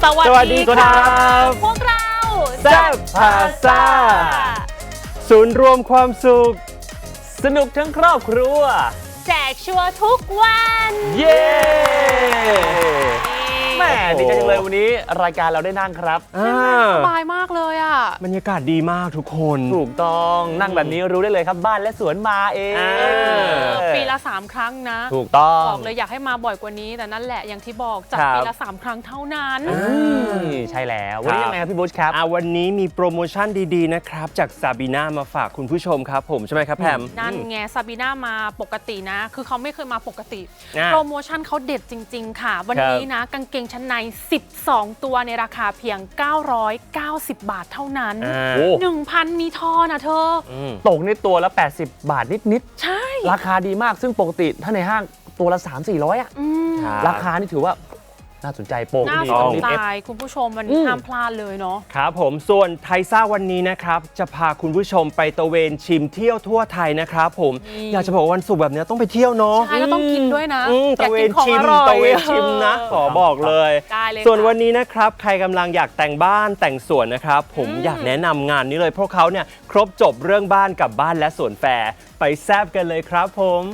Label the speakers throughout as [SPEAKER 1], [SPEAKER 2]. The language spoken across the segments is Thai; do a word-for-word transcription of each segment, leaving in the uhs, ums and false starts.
[SPEAKER 1] สวัสดีครับ
[SPEAKER 2] พวกเรา
[SPEAKER 1] แซ่บพาซ่าศูนย์รวมความสุขสนุกทั้งครอบครัว
[SPEAKER 2] แจกชัวร์ทุกวัน
[SPEAKER 1] เย้แม่ดีใจจังเลยวันนี้รายการเราได้นั่งครับ
[SPEAKER 2] สบายมากเลยอ่ะ
[SPEAKER 1] บรรยากาศดีมากทุกคนถูกต้องนั่งแบบนี้รู้ได้เลยครับบ้านและสวนมาเอง
[SPEAKER 2] ปีละสามครั้งนะ
[SPEAKER 1] ถูกต้อง
[SPEAKER 2] บอกเลยอยากให้มาบ่อยกว่านี้แต่นั่นแหละอย่างที่บอกจัดปีละสามครั้งเท่านั้น
[SPEAKER 1] ใช่แล้ววันนี้ยังไงครับพี่บุ๊ชครับ
[SPEAKER 3] วันนี้มีโปรโมชั่นดีๆนะครับจากซาบีน่ามาฝากคุณผู้ชมครับผมใช่ไหมครับแพม
[SPEAKER 2] นั่นไงซาบีน่ามาปกตินะคือเขาไม่เคยมาปกติโปรโมชั่นเขาเด็ดจริงๆค่ะวันนี้นะกางเกงชั้นในสิบสองตัวในราคาเพียงเก้าร้อยเก้าสิบบาทเท่านั้น หนึ่งพัน มีทอนะเธอ
[SPEAKER 1] ตกในตัวละแปดสิบบาทนิด
[SPEAKER 2] ๆใช่
[SPEAKER 1] ราคาดีมากซึ่งปกติถ้าในห้างตัวละ สามถึงสี่ร้อย อ่ะราคานี่ถือว่าน่าสนใจโปร
[SPEAKER 2] น่าสนใจคุณผู้ชมมันห้ามพลาดเลยเนาะ
[SPEAKER 3] ครับผมส่วนไทยซ่าวันนี้นะครับจะพาคุณผู้ชมไปตะเวนชิมเที่ยวทั่วไทยนะครับผมอยากจะบอกวันศุกร์แบบนี้ต้องไปเที่ยวเนาะ
[SPEAKER 2] ใช่แล้วต้องกินด้วยนะ
[SPEAKER 3] ตะเวนชิมตะเวนชิมนะขอบอกเลยส่วนวันนี้นะครับใครกำลังอยากแต่งบ้านแต่งสวนนะครับผมอยากแนะนำงานนี้เลยเพราะเขาเนี่ยครบจบเรื่องบ้านกับบ้านและสวนแฟร์ไปแซ่บกันเลยครับผม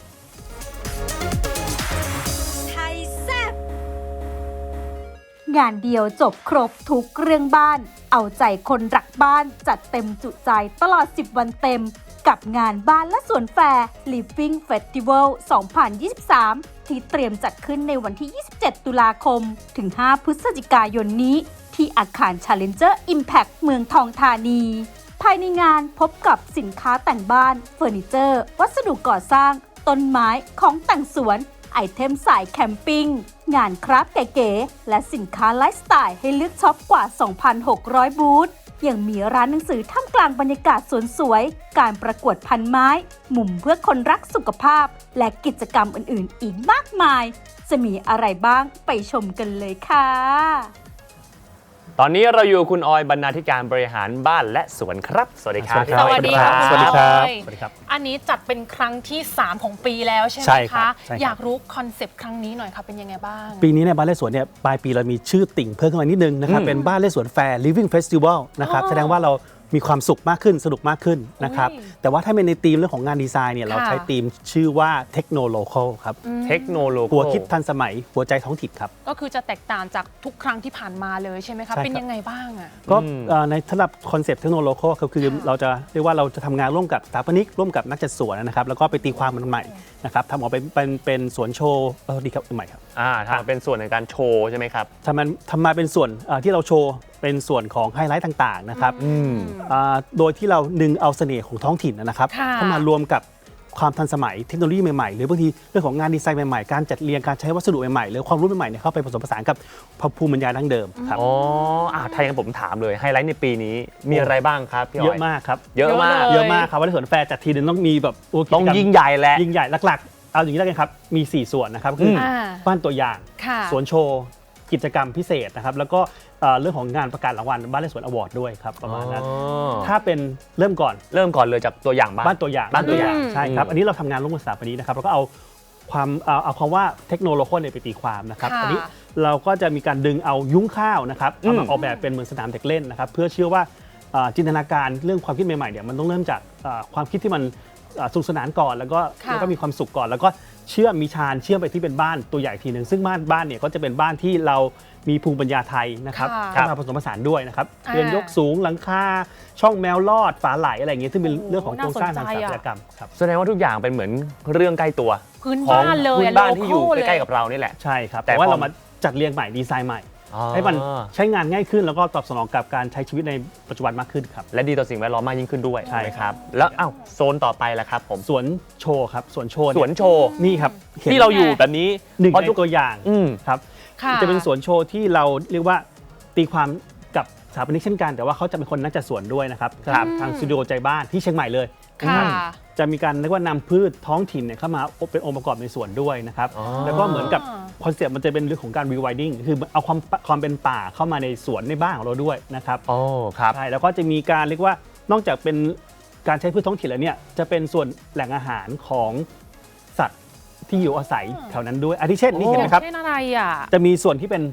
[SPEAKER 4] งานเดียวจบครบทุกเรื่องบ้านเอาใจคนรักบ้านจัดเต็มจุใจตลอดสิบวันเต็มกับงานบ้านและสวนแฟร์ Living Festival สองพันยี่สิบสาม ที่เตรียมจัดขึ้นในวันที่ ยี่สิบเจ็ด ตุลาคมถึง ห้า พฤศจิกายนนี้ที่อาคาร Challenger Impact เมืองทองธานีภายในงานพบกับสินค้าแต่งบ้านเฟอร์นิเจอร์วัสดุก่อสร้างต้นไม้ของแต่งสวนไอเทมสายแคมปิ้งงานคราฟต์เก๋ๆและสินค้าไลฟ์สไตล์ให้เลือกช็อปกว่า สองพันหกร้อย บูธยังมีร้านหนังสือท่ามกลางบรรยากาศสวนสวยการประกวดพันไม้มุมเพื่อคนรักสุขภาพและกิจกรรมอื่นๆอีกมากมายจะมีอะไรบ้างไปชมกันเลยค่ะ
[SPEAKER 1] ตอนนี้เราอยู่คุณออยบรรณาธิการบริหารบ้านและสวนครับสวัสดีครับ
[SPEAKER 2] สวัสดีครับ
[SPEAKER 3] สวัสดีครับสวั
[SPEAKER 2] สดีครับอันนี้จัดเป็นครั้งที่สามของปีแล้วใช่ไหมคะอยากรู้คอนเซปต์ครั้งนี้หน่อยค่ะเป็นยังไงบ้าง
[SPEAKER 5] ปีนี้ในบ้านและสวนเนี่ยปลายปีเรามีชื่อติ่งเพิ่มขึ้นมานิดนึงนะครับเป็นบ้านและสวนแฟร์ Living Festival นะครับแสดงว่าเรามีความสุขมากขึ้นสนุกมากขึ้นนะครับแต่ว่าถ้าเป็นในธีมเรื่องของงานดีไซน์เนี่ยเราใช้ธีมชื่อว่าเทคโนโลคอลครับ
[SPEAKER 1] เทคโนโลคอล
[SPEAKER 5] หัวคิดทันสมัยหัวใจท้องถิ่นครับ
[SPEAKER 2] ก็คือจะแตกต่างจากทุกครั้งที่ผ่านมาเลยใช่ไหมคะเป็นยังไงบ้างอ่ะ
[SPEAKER 5] ก็ในสำหรับคอนเซปต์เทคโนโลคอลก็คือเราจะเรียกว่าเราจะทำงานร่วมกับสถาปนิกร่วมกับนักจัดสวนนะครับแล้วก็ไปตีความมันใหม่นะครับทำออกเป็นเป็นเป็นสวนโชว์เออดีครับใหม่ครับ
[SPEAKER 1] อ่าทำเป็นส่วนในการโชว์ใช่ไหมครับ
[SPEAKER 5] ทำมันทำมาเป็นส่วนที่เราโชว์เป็นส่วนของไฮไลท์ต่างๆนะครับโดยที่เราดึงเอาเสน่ห์ของท้องถิ่นนะครับเข้ามารวมกับความทันสมัยเทคโนโลยีใหม่ๆหรือบางทีเรื่องของงานดีไซน์ใหม่ๆการจัดเรียงการใช้วัสดุใหม่ๆหรือความรู้ใหม่ๆเข้าไปผสมผสานกับภูมิปัญญาดั้งเดิมครับ
[SPEAKER 1] อ๋ออ่าถ้าอย่างนั้นผมถามเลยไฮไลท์ในปีนี้มีอะไรบ้างครับพี่อ๋อย
[SPEAKER 5] เยอะมากครับ
[SPEAKER 1] เยอะมาก
[SPEAKER 5] เยอะมากครับวันที่สวนแฟร์จัดทีนึงต้องมีแบบ
[SPEAKER 1] ต้องยิ่งใหญ่แหละ
[SPEAKER 5] ยิ่งใหญ่หลักๆเอาอย่างนี้แล้วกันครับมีสี่ส่วนนะครับคือบ้านตัวอย่างสวนโชว์กิจกรรมพิเศษนะครับแล้วก็เรื่องของงานประกาศรางวัลบ้านและสวนอวอร์ดด้วยครับประมาณนั้นถ้าเป็นเริ่มก่อน
[SPEAKER 1] เริ่มก่อนเลยจากตัวอย่างบ้าน
[SPEAKER 5] บ้านตัวอย่าง
[SPEAKER 1] บ้านตัวอย่าง
[SPEAKER 5] ใช่ครับอันนี้เราทำงานร่วมกับสถาปนิกนะครับเราก็เอาความเอาคำว่าเทคโนโลยีไปตีความนะครับอันนี้เราก็จะมีการดึงเอายุ้งข้าวนะครับเอามาออกแบบเป็นเหมือนสนามเด็กเล่นนะครับเพื่อเชื่อว่าจินตนาการเรื่องความคิดใหม่ๆเนี่ยมันต้องเริ่มจากความคิดที่มันสนุกสนานก่อนแล้วก็แล้วก็มีความสุขก่อนแล้วก็เชื่อมมีชานเชื่อมไปที่เป็นบ้านตัวใหญ่ทีหนึ่งซึ่งบ้านบ้านเนี่ยก็จะเป็นบ้านที่เรามีภูมิปัญญาไทยนะครับเข้ามาผสมผสานด้วยนะครับเรือนยกสูงหลังคาช่องแมวลอดฝาไหลอะไรอย่างเงี้ยซึ่งเป็นเรื่องของโครงสร้างทางสถาปัตยกรรมครับ
[SPEAKER 1] แสดงว่าทุกอย่างเป็นเหมือนเรื่องใกล้ตัว
[SPEAKER 2] พื้นบ้านเลย
[SPEAKER 1] พื้นบ้านที่อยู่ใกล้ๆกับเรานี่แหละ
[SPEAKER 5] ใช่ครับแต่ว่าเรามาจัดเรียงใหม่ดีไซน์ใหม่ให้มันใช้งานง่ายขึ้นแล้วก็ตอบสนองกับการใช้ชีวิตในปัจจุบันมากขึ้นครับ
[SPEAKER 1] และดีต่อสิ่งแวดล้อมมากยิ่งขึ้นด้วยใช่ครับแล้วอ้าวโซนต่อไปล่ะครับผม
[SPEAKER 5] สวนโชว์ครับสวนโชว์
[SPEAKER 1] สวนโชว์
[SPEAKER 5] นี่ครับ
[SPEAKER 1] ที่เราอยู่แบบนี้
[SPEAKER 5] หนึ่งในตัวอย่างครับจะเป็นสวนโชว์ที่เราเรียกว่าตีความกับสถาปนิกเช่นกันแต่ว่าเขาจะเป็นคนนักจัดสวนด้วยนะครับทางสตูดิโอใจบ้านที่เชียงใหม่เลยจะมีการเรียกว่านำพืชท้องถิ่นเข้ามาเป็นองค์ประกอบในสวนด้วยนะครับแล้วก็เหมือนกับคอนเซ็ปต์มันจะเป็นเรื่องของการรีไวดิ้งคือเอาความความเป็นป่าเข้ามาในสวนในบ้านของเราด้วยนะครับ
[SPEAKER 1] โอ้ครับ
[SPEAKER 5] ใช่แล้วก็จะมีการเรียกว่านอกจากเป็นการใช้พืชท้องถิ่นแล้วเนี่ยจะเป็นส่วนแหล่งอาหารของสัตว์ที่อยู่อาศัยแถวนั้นด้วยอาทิเช่นนี่เห็นไหมครับ
[SPEAKER 2] เช่นอะไรอ่ะ
[SPEAKER 5] จะมีส่วนที่เป็น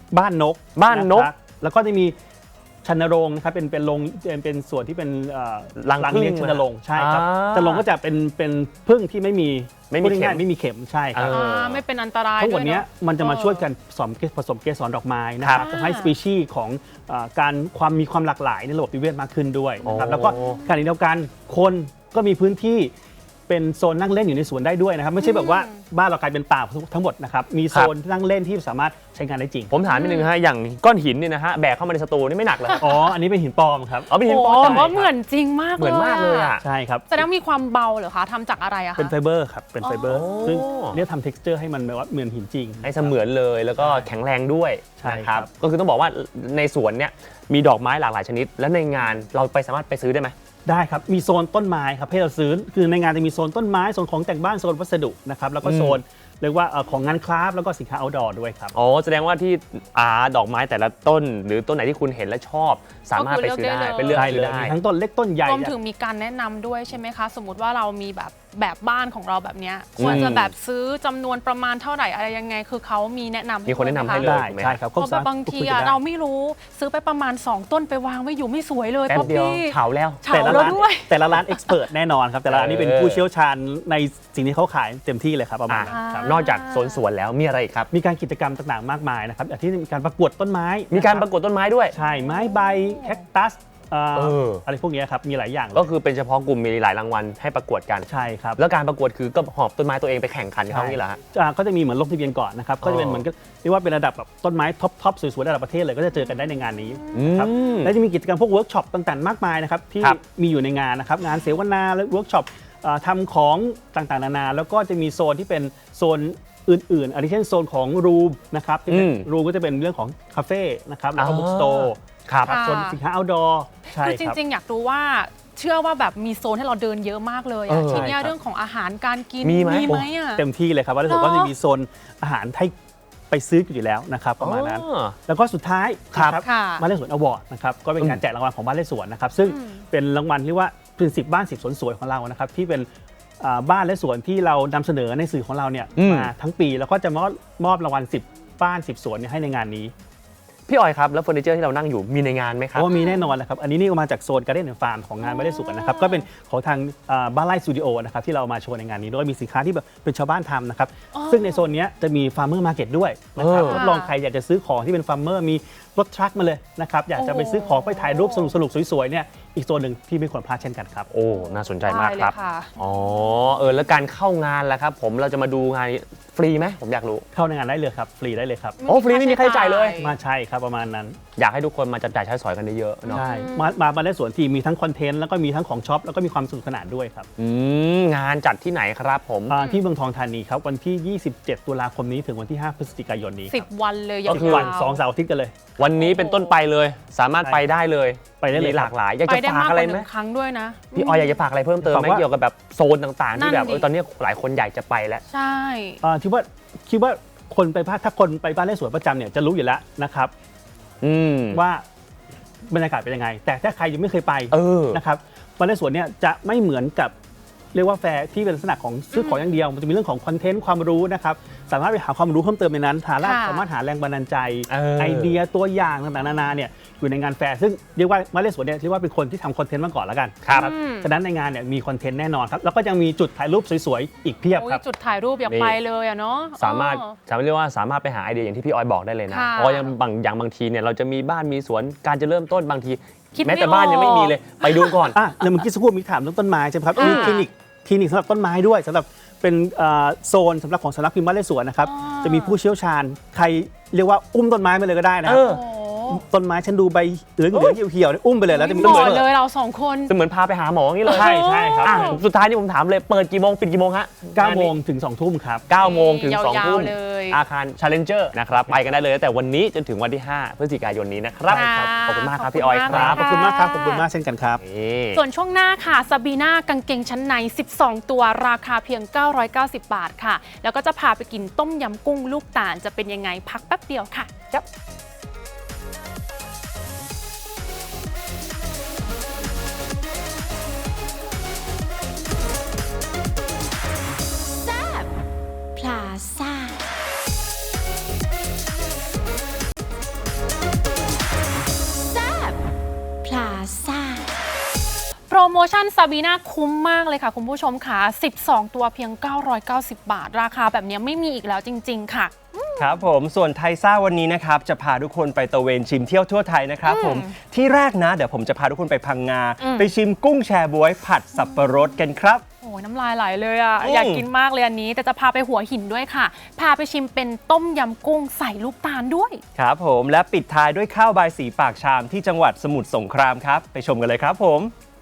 [SPEAKER 5] บ้านนก
[SPEAKER 1] บ้านนก
[SPEAKER 5] ะครับแล้วก็จะมีชันโรงนะครับเป็นเป็นโรงเป็นเป็นส่วนที่เป็นเอ่อ
[SPEAKER 1] รังผึ้ง
[SPEAKER 5] เลี้ยงชันโรงใช่ครับ
[SPEAKER 1] อ่า
[SPEAKER 5] ชันโรงก็จะเป็นเป็นผึ้งที่ไม่มี
[SPEAKER 1] ไม่มี
[SPEAKER 5] พูดง่าย
[SPEAKER 1] เข็ม
[SPEAKER 5] ๆไม่มีเข็มใช่ครับ
[SPEAKER 1] เออ
[SPEAKER 2] อ่าไม่เป็นอันตราย
[SPEAKER 5] ทั้งหมด
[SPEAKER 2] วย
[SPEAKER 5] เนี้ย
[SPEAKER 2] เอะ
[SPEAKER 5] มันจะมา
[SPEAKER 2] เออ
[SPEAKER 5] ช่วยกันผสมผสมเกสรดอกไม้นะครับ
[SPEAKER 2] ครับ
[SPEAKER 5] ทำให้สปีชีส์ของเอ่อการความมีความหลากหลายในระบบนิเวศมากขึ้นด้วยนะครับ
[SPEAKER 1] โอ้
[SPEAKER 5] แล้วก็ขณะเดียวกันคนก็มีพื้นที่เป็นโซนนั่งเล่นอยู่ในสวนได้ด้วยนะครับไม่ใช่แบบว่าบ้านเรากลายเป็นป่าทั้งหมดนะครับมีโซนนั่งเล่นที่สามารถใช้งานได้จริง
[SPEAKER 1] ผมถามนิดนึงฮะอย่างก้อนหินเนี่ยนะฮะแบกเข้ามาในสตูนี่ไม่หนักเลย
[SPEAKER 5] อ๋ออันนี้เป็นหินปลอมครับ
[SPEAKER 1] เอาเป็นหิน
[SPEAKER 2] โอ้
[SPEAKER 1] ปลอ
[SPEAKER 2] แต่
[SPEAKER 1] ม
[SPEAKER 2] ว่าเหมือนจริงมาก
[SPEAKER 1] เหมือนมากเลยอ่ะ
[SPEAKER 5] ใช่ครับ
[SPEAKER 2] แสดงมีความเบาเหรอคะทำจากอะไรอะคะ
[SPEAKER 5] เป็นไฟเบอร์ครับเป็นไฟเบอร์
[SPEAKER 1] อ๋อ
[SPEAKER 5] ซึ่งเรียกทำ texture ให้มันแบบว่าเหมือนหินจริง
[SPEAKER 1] ให้เสมือนเลยแล้วก็แข็งแรงด้วย
[SPEAKER 5] ใช่
[SPEAKER 1] นะค
[SPEAKER 5] ครั
[SPEAKER 1] รับบ ก็คือต้องบอกว่าในสวนเนี่ยมีดอกไม้หลากหลายชนิด และในงานเราไปสามารถไปซื้อได้ไหม
[SPEAKER 5] ได้ครับ มีโซนต้นไม้ครับให้เราซื้อ คือในงานจะมีโซนต้นไม้ โซนของแต่งบ้าน โซนวัสดุนะครับ แล้วก็โซนเรียกว่าเอ่อของงานคราฟต์แล้วก็สินค้า outdoor ด้วยครับ
[SPEAKER 1] อ๋อแสดงว่าที่อาดอกไม้แต่ละต้น หรือต้นไหนที่คุณเห็นและชอบ สามารถไปซื้อได้ไปเลือก
[SPEAKER 5] ได้
[SPEAKER 1] ซื้
[SPEAKER 5] เล
[SPEAKER 1] อย ได้
[SPEAKER 5] มีทั้งต้นเล็กต้นใหญ่
[SPEAKER 2] รวมถึงมีการแนะนำด้วยใช่ไหมคะ สมมติว่าเรามีแบบแบบบ้านของเราแบบเนี้ยควรจะแบบซื้อจำนวนประมาณเท่าไหร่อะไรยังไง คือเขามีแนะนำ
[SPEAKER 1] มีคนแนะนำให้
[SPEAKER 2] ด้วย
[SPEAKER 1] เลย
[SPEAKER 5] ได้
[SPEAKER 1] ถูกไหม
[SPEAKER 5] ใช่ครับ
[SPEAKER 2] เพราะแบบบางทีอะเราไม่รู้ซื้อไปประมาณ สอง ต้นไปวางไว้อยู่ไม่สวยเลย
[SPEAKER 1] แป๊บ
[SPEAKER 2] ป๊อป
[SPEAKER 1] เดียว
[SPEAKER 2] ปี้
[SPEAKER 1] เฉาแล้ว
[SPEAKER 2] เฉา
[SPEAKER 5] แต่ละ
[SPEAKER 2] แล้ว
[SPEAKER 5] ร้าน
[SPEAKER 2] ด้วย
[SPEAKER 5] แต่ละร้านเอ็กซ์เพรสแน่นอนครับ แต่ละร้านนี่เป็น
[SPEAKER 1] เออ
[SPEAKER 5] ผู้เชี่ยวชาญในสิ่งที่เขาขายเต็มที่เลยครับประมาณนั้น
[SPEAKER 2] อ่า
[SPEAKER 5] ครับ
[SPEAKER 1] นอกจากโซนสวนแล้วมีอะไรอีกครับ
[SPEAKER 5] มีการกิจกรรมต่างๆมากมายนะครับอย่างที่มีการประกวดต้นไม้
[SPEAKER 1] มีการ
[SPEAKER 5] นค
[SPEAKER 1] ป
[SPEAKER 5] บ
[SPEAKER 1] ระกวดต้นไม้ด้วย
[SPEAKER 5] ใช่ไม้ใบแคคตัสเอ่อ
[SPEAKER 1] เอออ
[SPEAKER 5] อะไรพวกเนี้ยครับมีหลายอย่างเลย
[SPEAKER 1] ก็คือเป็นเฉพาะกลุ่มมีหลายรางวัลให้ประกวดกัน
[SPEAKER 5] ใช่ครับ
[SPEAKER 1] แล้วการประกวดคือก็หอบต้นไม้ตัวเองไปแข่งขันเขานี่เหรอฮะ
[SPEAKER 5] อ่าก็จะมีเหมือนลงทะเบียนก่อนนะครับ ก็จะเป็น
[SPEAKER 1] อ๋อ
[SPEAKER 5] เหมือนกับเรียกว่าเป็นระดับแบบต้นไม้ท็อปท็อปสวยๆระดับประเทศเลยก็จะเจอกันได้ในงานนี้นะครับ
[SPEAKER 1] อืม
[SPEAKER 5] และจะมีกิจกรรมพวกเวิร์กช็อปต่างๆมากมายนะครับที่
[SPEAKER 1] ครับ
[SPEAKER 5] มีอยู่ในงานนะครับงานเสวนาและเวิร์กช็อปอ่าทำของต่างๆนานาแล้วก็จะมีโซนที่เป็นโซนอื่นๆอันนี้เช่นโซนของรูมนะครับที่เป็น
[SPEAKER 1] อืม
[SPEAKER 5] รูมก็จะเป็นเรื่องของคาเฟ่นะครับแล้วก็
[SPEAKER 1] อ่า
[SPEAKER 5] บุ๊กสโตร์
[SPEAKER 1] ครับ
[SPEAKER 2] ค่ะ
[SPEAKER 5] โซนสินค้า outdoor ใช่
[SPEAKER 2] คือจ
[SPEAKER 5] ครับ
[SPEAKER 2] ริงๆ อยากรู้ว่าเชื่อว่าแบบมีโซนให้เราเดินเยอะมากเลย
[SPEAKER 1] เอ
[SPEAKER 2] อะ
[SPEAKER 1] อ
[SPEAKER 2] ทีเนี้ย
[SPEAKER 5] ใช่ครับ
[SPEAKER 2] เรื่องของอาหารการกิน
[SPEAKER 1] มีไหม
[SPEAKER 2] ไหมอะ
[SPEAKER 5] เต็มที่เลยครับว่าถ้าเกิดว่าจะมีโซนอาหารให้ไปซื้ออยู่แล้วนะครับประมาณนั้น
[SPEAKER 1] อ๋อ
[SPEAKER 5] แล้วก็สุดท้าย
[SPEAKER 1] ครับ
[SPEAKER 5] นะ
[SPEAKER 2] ค่ะ
[SPEAKER 5] บ้านเลขสวนอวอร์ดนะครับก็เป็นการแจกรางวัลของบ้านเลขสวนนะครับซึ่ง
[SPEAKER 2] อืม
[SPEAKER 5] เป็นรางวัลที่ว่าเป็นสิบบ้านสิบสวนสวยของเรานะครับที่เป็นอ่าบ้านและสวนที่เรานำเสนอในสื่อของเราเนี่ย
[SPEAKER 1] อืม
[SPEAKER 5] มาทั้งปีแล้วก็จะมอบมอบรางวัลสิบบ้านสิบสวนเนี่ยให้ในงานนี้
[SPEAKER 1] พี่ออยครับแล้วเฟอร์นิเจอร์ที่เรานั่งอยู่มีในงานไหมค
[SPEAKER 5] เพ
[SPEAKER 1] รับ
[SPEAKER 5] ราะว่ามีแน่นอนนะครับอันนี้นี่ก็มาจากโซนการ์เด้นฟาร์มของงานบ้านเลขสวนนะครับก็เป็นของทางอ่าบ้านไร่สตูดิโอนะครับที่เรามาโชว์ในงานนี้ด้วยมีสินค้าที่แบบเป็นชาวบ้านทำนะครับ
[SPEAKER 2] อ๋อ
[SPEAKER 5] ซึ่งในโซนเนี้ยจะมีฟาร์มเมอร์มาร์เก็ตด้วยนะครับ
[SPEAKER 1] เออ
[SPEAKER 5] รับรองใครอยากจะซื้อของที่เป็นฟาร์มเมอร์มีรถทรัคมาเลยนะครับอยากจะไปซื้อของไปถ่ายรูปสนุกๆสวยๆเนี่ยอีกโซนหนึ่งที่ไม่ควรพลาดเช่นกันครับ
[SPEAKER 1] โอ้ น่าสนใจมาก
[SPEAKER 2] ได้เลย
[SPEAKER 1] ครับ
[SPEAKER 2] ค่ะ
[SPEAKER 1] อ๋อ เออ แล้วการเข้างานล่ะครับ ผมเราจะมาดูงานนี้ฟรีไหมผมอยากรู้
[SPEAKER 5] เข้าในงานได้เลยครับฟรีได้เลยครับ
[SPEAKER 1] โอ้ฟรีไม่มีค่าใช้จ่ายเลย
[SPEAKER 5] มาใช่ครับประมาณนั้น
[SPEAKER 1] อยากให้ทุกคนมาจับจ่ายใช้สอยกันเยอะๆเนาะ
[SPEAKER 5] ใช่มามามาได้สวนที่มีทั้งคอนเทนต์แล้วก็มีทั้งของช็อปแล้วก็มีความสนุกสนานด้วยครับ
[SPEAKER 1] อืม งานจัดที่ไหนครับผม
[SPEAKER 5] อ่าที่เมืองทองธานีครับวันที่ ยี่สิบเจ็ด ตุลาคมนี้ถึงวันที่ ห้า พฤศจิกายนนี้ค
[SPEAKER 2] สิ
[SPEAKER 5] รั
[SPEAKER 2] บบ วันเลยยา
[SPEAKER 1] ก็คือ
[SPEAKER 2] ว
[SPEAKER 5] วันสองเสาร์อาทิตย์กันเลย
[SPEAKER 1] วันนี้เป็นต้นไปเลย สามารถไปได้เลย
[SPEAKER 5] ไปได้เลย
[SPEAKER 1] มีหลากหลาย อยาก
[SPEAKER 2] ไป
[SPEAKER 1] จะ
[SPEAKER 2] ได้
[SPEAKER 1] ฝาก
[SPEAKER 2] มากก
[SPEAKER 1] อะไร
[SPEAKER 2] ว่าห
[SPEAKER 1] ไหม
[SPEAKER 2] นึ่งครั้งด้วยนะ
[SPEAKER 1] พี่ออยอยากจะฝากอะไรเพิ่มเติมไหม
[SPEAKER 5] ฝากว่า
[SPEAKER 1] เกี่ยวกับแบบโซนต่างๆ ที่แบบ
[SPEAKER 2] นั่นดิ
[SPEAKER 1] เออตอนนี้หลายคนอยากจะไปแล้ว
[SPEAKER 2] ใช่
[SPEAKER 5] อ่าที่ว่าคิดว่าคนไปบ้านถ้าคนไปบ้านเลขสวนประจำเนี่ยจะรู้อยู่แล้วนะครับ
[SPEAKER 1] อืม
[SPEAKER 5] ว่าบรรยากาศเป็นยังไง แต่ถ้าใครยังไม่เคยไป
[SPEAKER 1] เออ
[SPEAKER 5] นะครับบ้านเลขสวนเนี่ยจะไม่เหมือนกับเรียกว่าแฟร์ที่เป็นลักษณะของซื้อของอย่างเดียวมันจะมีเรื่องของคอนเทนต์ความรู้นะครับสามารถไปหาความรู้เพิ่มเติมในนั้นหาแรง
[SPEAKER 2] ค่ะ
[SPEAKER 5] สามารถหาแรงบันดาลใจ
[SPEAKER 1] เออ
[SPEAKER 5] ไอเดียตัวอย่างต่างๆนานาเนี่ยอยู่ในงานแฟร์ซึ่งเรียกว่าบ้านเลขสวนเนี่ยเรียกว่าเป็นคนที่ทำคอนเทนต์มาก่อนแล้วกัน
[SPEAKER 1] ครับ
[SPEAKER 2] อืม
[SPEAKER 5] ฉะนั้นในงานเนี่ยมีคอนเทนต์แน่นอนครับแล้วก็ยังมีจุดถ่ายรูปสวยๆอีกเพียบ
[SPEAKER 2] โอ้
[SPEAKER 5] ค
[SPEAKER 2] ย
[SPEAKER 5] รับ
[SPEAKER 2] จุดถ่ายรูปอยาก
[SPEAKER 1] นี่
[SPEAKER 2] ไปเลยอะเนาะ
[SPEAKER 1] สามารถ
[SPEAKER 2] เออ
[SPEAKER 1] สามารถเรียกว่าสามารถไปหาไอเดียอย่างที่พี่ออยบอกได้เลยนะ
[SPEAKER 2] ค่ะ
[SPEAKER 1] เพราะอย่างบางอย่างบางทีเนี่ยเราจะมีบ้านมีสวนการจะเริ่มต้นบางที
[SPEAKER 2] คิดไม่
[SPEAKER 1] แม้แต่บ้านยังไม่มีเลย ไปดูก่อน
[SPEAKER 5] อ่ะแล้วเมื่อกี้สักครู่มีถามเรื่องต้นไม้ใช่ไหมครับ
[SPEAKER 2] อ่ามี
[SPEAKER 5] มีคลินิกคลินิกสำหรับต้นไม้ด้วยสำหรับเป็นเอ่อโซนสำหรับของสำนักพิมพ์บ้านเลขสวนนะครับ
[SPEAKER 2] อ๋อ
[SPEAKER 5] จะมีผู้เชี่ยวชาญใครเรียกว่าอุ้มต้นไม้ไปเลยก็ได้นะค
[SPEAKER 1] เอ
[SPEAKER 5] รับ
[SPEAKER 1] อ
[SPEAKER 2] โอ้
[SPEAKER 5] ต้นไม้ฉันดูใบเหลืองเหลืองเหี่ยวๆเนี่ยอุ้มไปเลยแล้วจะมี
[SPEAKER 2] เห
[SPEAKER 5] ต้น
[SPEAKER 2] มาะ
[SPEAKER 5] ไม้
[SPEAKER 2] เลยเราสองคน
[SPEAKER 1] จะเหมือนพาไปหาหมออย่างนี้เลย
[SPEAKER 5] ใช่ใช่ครับ
[SPEAKER 1] อ่ะสุดท้ายนี่ผมถามเลยเปิดกี่โมงปิดกี่โมงฮะ
[SPEAKER 5] เก้าโมงถึงสองทุ่มครับ
[SPEAKER 1] เก้าโมงถึงสอง
[SPEAKER 2] ยาวๆ
[SPEAKER 1] ทุ่ม
[SPEAKER 2] เลย
[SPEAKER 1] อาคาร Challenger นะครับไปกันได้เลยตั้งแต่วันนี้จนถึงวันที่ ห้า พฤศจิกายนนี้นะครับ
[SPEAKER 2] ค่ะ
[SPEAKER 1] ขอบคุณมากครับ
[SPEAKER 2] ขอบคุณ
[SPEAKER 1] พี่ออยค
[SPEAKER 2] มาก
[SPEAKER 1] รับ
[SPEAKER 5] ขอบคุณมากครับขอบคุณมากเช่นกันครับ
[SPEAKER 1] นี่
[SPEAKER 2] ส่วนช่วงหน้าค่ะซาบีน่ากางเกงชั้นใน สิบสอง ตัวราคาเพียง เก้าร้อยเก้าสิบ บาทค่ะ แล้วก็จะพาไปกินต้มยำกุ้งลูกตาลจะเป็นยังไงพักแป๊บเดียวค่ะ
[SPEAKER 4] พลาซ่า
[SPEAKER 2] โมชั่นซาบีนาคุ้มมากเลยค่ะคุณผู้ชมค่ะสิบสองตัวเพียงเก้าร้อยเก้าสิบบาทราคาแบบนี้ไม่มีอีกแล้วจริงๆค่ะ
[SPEAKER 3] ครับผมส่วนไทยซ่าวันนี้นะครับจะพาทุกคนไปตะเวนชิมเที่ยวทั่วไทยนะครับผมที่แรกนะเดี๋ยวผมจะพาทุกคนไปพังงาไปชิมกุ้งแชบ๊วยผัดสับปะรดกันครับ
[SPEAKER 2] โอ้ยน้ำลายไหลเลยอ่ะอยากกินมากเลยอันนี้แต่จะพาไปหัวหินด้วยค่ะพาไปชิมเป็นต้มยำกุ้งใส่ลูกตาลด้วย
[SPEAKER 3] ครับผมและปิดท้ายด้วยข้าวบายสีปากชามที่จังหวัดสมุทรสงครามครับไปชมกันเลยครับผม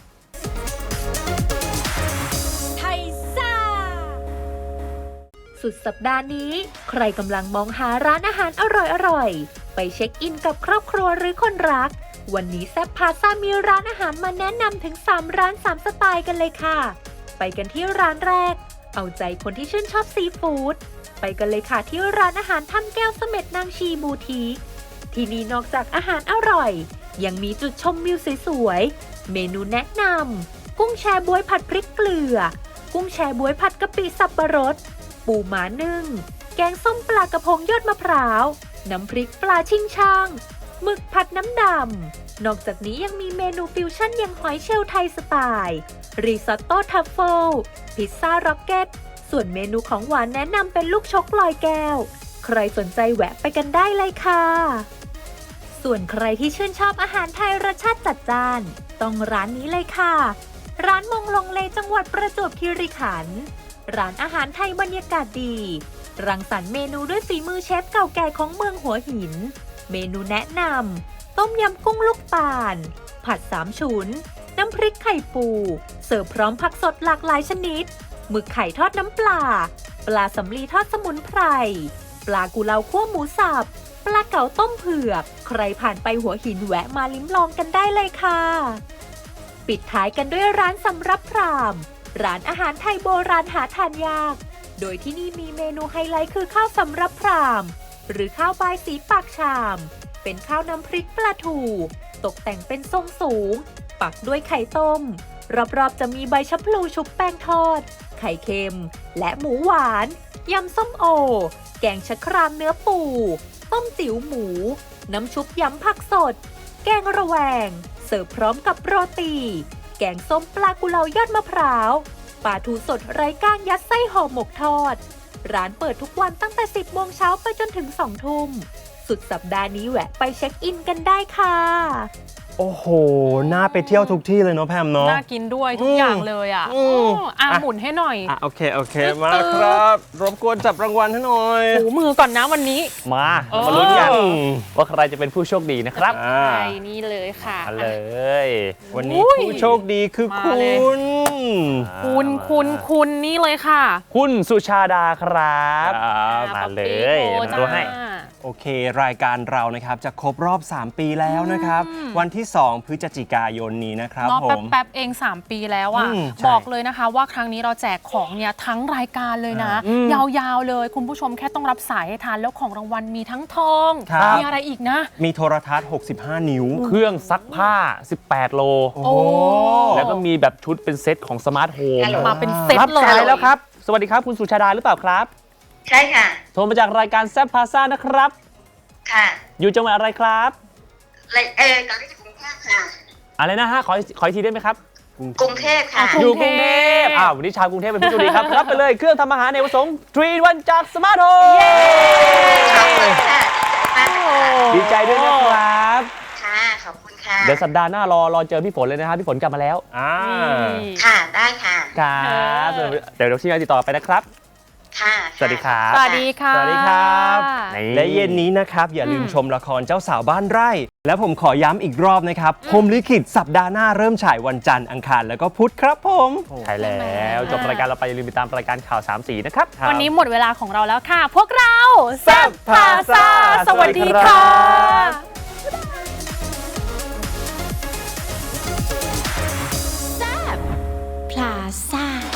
[SPEAKER 4] สุดสัปดาห์นี้ใครกำลังมองหาร้านอาหารอร่อยๆ ไปเช็คอินกับครอบครัวหรือคนรัก วันนี้แซ่บพาซ่ามีร้านอาหารมาแนะนำถึงสามร้านสามสไตล์กันเลยค่ะ ไปกันที่ร้านแรก เอาใจคนที่ชื่นชอบซีฟู้ด ไปกันเลยค่ะที่ร้านอาหารถ้ำแก้วเสม็ดนางชีบูทีคที่นี่นอกจากอาหารอร่อย ยังมีจุดชมวิวสวยๆ เมนูแนะนำกุ้งแชบ๊วยผัดพริกเกลือ กุ้งแชบ๊วยผัดกะปิสับปะรดปูม้านึ่งแกงส้มปลากระพงยอดมะพร้าวน้ำพริกปลาชิงช่างหมึกผัดน้ำดำนอกจากนี้ยังมีเมนูฟิวชั่นอย่างหอยเชลล์ไทยสไตล์ริซอตโต้ทัฟเฟิลพิซซ่าร็อกเก็ตส่วนเมนูของหวานแนะนำเป็นลูกชกลอยแก้วใครสนใจแวะไปกันได้เลยค่ะส่วนใครที่ชื่นชอบอาหารไทยรสชาติจัดจ้านต้องร้านนี้เลยค่ะร้านมงลงเลจังหวัดประจวบคีรีขันธ์ร้านอาหารไทยบรรยากาศดีรังสรรค์เมนูด้วยฝีมือเชฟเก่าแก่ของเมืองหัวหินเมนูแนะนำต้มยำกุ้งลูกตาลผัดสามฉุนน้ำพริกไข่ปูเสิร์ฟพร้อมผักสดหลากหลายชนิดหมึกไข่ทอดน้ำปลาปลาสำลีทอดสมุนไพรปลากุเลาคั่วหมูสับปลาเก๋าต้มเผือกใครผ่านไปหัวหินแวะมาลิ้มลองกันได้เลยค่ะปิดท้ายกันด้วยร้านสำรับพรามร้านอาหารไทยโบราณหาทานยากโดยที่นี่มีเมนูไฮไลท์คือข้าวสำรับพรามหรือข้าวบายสีปากชามเป็นข้าวน้ำพริกปลาทูตกแต่งเป็นทรงสูงปักด้วยไข่ต้มรอบๆจะมีใบชะพลูชุบแป้งทอดไข่เค็มและหมูหวานยำส้มโอแกงชะครามเนื้อปูต้มจิ๋วหมูน้ำชุบยำผักสดแกงระแวงเสิร์ฟพร้อมกับโรตีแกงส้มปลากุเลายอดมะพร้าวปลาทูสดไร้ก้างยัดไส้ห่อหมกทอดร้านเปิดทุกวันตั้งแต่สิบโมงเช้าไปจนถึงสองทุ่มสุดสัปดาห์นี้แวะไปเช็คอินกันได้ค่ะ
[SPEAKER 3] โอ้โหน่าไปเที่ยวทุกที่เลยเนาะแพมเนาะ
[SPEAKER 2] น่ากินด้วยทุกอย่างเลยอ่ะอ๋ออ่ะหมุนให้หน่อย
[SPEAKER 3] อ่ะโอเคโอเคมาครับรบกวนจับรางวัลให้หน่อย
[SPEAKER 2] ถูมือก่อนนะวันนี้
[SPEAKER 1] มามาลุ้นกันว่าใครจะเป็นผู้โชคดีนะครับ
[SPEAKER 2] ใช่นี่เลยค่ะ
[SPEAKER 1] เลย
[SPEAKER 3] วันนี้ผู้โชคดีคือคุณ
[SPEAKER 2] คุณคุณคุณนี่เลยค่ะ
[SPEAKER 1] คุณสุชาดาครับมาเลยมาดูให้
[SPEAKER 3] โอเครายการเรานะครับจะครบรอบสามปีแล้วนะครับวันที่สองพฤศจิกายนนี้นะครับผม
[SPEAKER 2] แป๊บๆเองสามปีแล้วอ่ะบอกเลยนะคะว่าครั้งนี้เราแจกของเนี่ยทั้งรายการเลยนะยาวๆเลยคุณผู้ชมแค่ต้องรับสายให้ทันแล้วของรางวัลมีทั้งทองมีอะไรอีกนะ
[SPEAKER 3] มีโทรทัศน์หกสิบห้านิ้ว
[SPEAKER 1] เครื่องซักผ้าสิบแปดโลแล้วก็มีแบบชุดเป็นเซตของสมาร์ทโฮม
[SPEAKER 2] มาเป็นเซตเลย
[SPEAKER 1] รับสายแล้วครับสวัสดีครับคุณสุชาดาหรือเปล่าครับ
[SPEAKER 6] ใช่ค่ะ
[SPEAKER 1] โทรมาจากรายการแซ่บพาซ่านะครับ
[SPEAKER 6] ค่ะ
[SPEAKER 1] อยู่จังหวัดอะไรครับ
[SPEAKER 6] เออตอนนี้จะกรุงเทพค่ะ
[SPEAKER 1] อะไรนะฮะขอขออีกทีได้ไหมครับ
[SPEAKER 6] กรุงเทพค่ะ
[SPEAKER 1] อยู่กรุงเทพอ้าววันนี้ชาวกรุงเทพเป็นผู้โชคดีครับรับไปเลยเครื่องทำอาหารในประสงค์ทรี วันจากสมาร์ทโฮมดีใจด้วยนะครับ
[SPEAKER 6] ค่ะขอบคุณค่ะ
[SPEAKER 1] เดี๋ยวสัปดาห์หน้ารอรอเจอพี่ฝนเลยนะครับพี่ฝนกลับมาแล้ว
[SPEAKER 3] อ่า
[SPEAKER 6] ค่ะได้ค่ะ
[SPEAKER 1] ครับเดี๋ยวเราที่จะติดต่อไปนะครับ
[SPEAKER 6] ค่ะ
[SPEAKER 1] สวัสดีครับ
[SPEAKER 2] สวัสดีค่ะ
[SPEAKER 3] สวัสดีครับและเย็นนี้นะครับอย่าลืมชมละครเจ้าสาวบ้านไร่และผมขอย้ำอีกรอบนะครับพรหมลิขิตสัปดาห์หน้าเริ่มฉายวันจันทร์อังคารแล้วก็พุธครับผม
[SPEAKER 1] ใช่แล้วจบรายการเราไปอย่าลืมติดตามรายการข่าวสามสีนะครับ
[SPEAKER 2] วันนี้หมดเวลาของเราแล้วค่ะพวกเราแซ่บพาซ่าสวัสดีค่ะ
[SPEAKER 4] แซ่บพาซ่า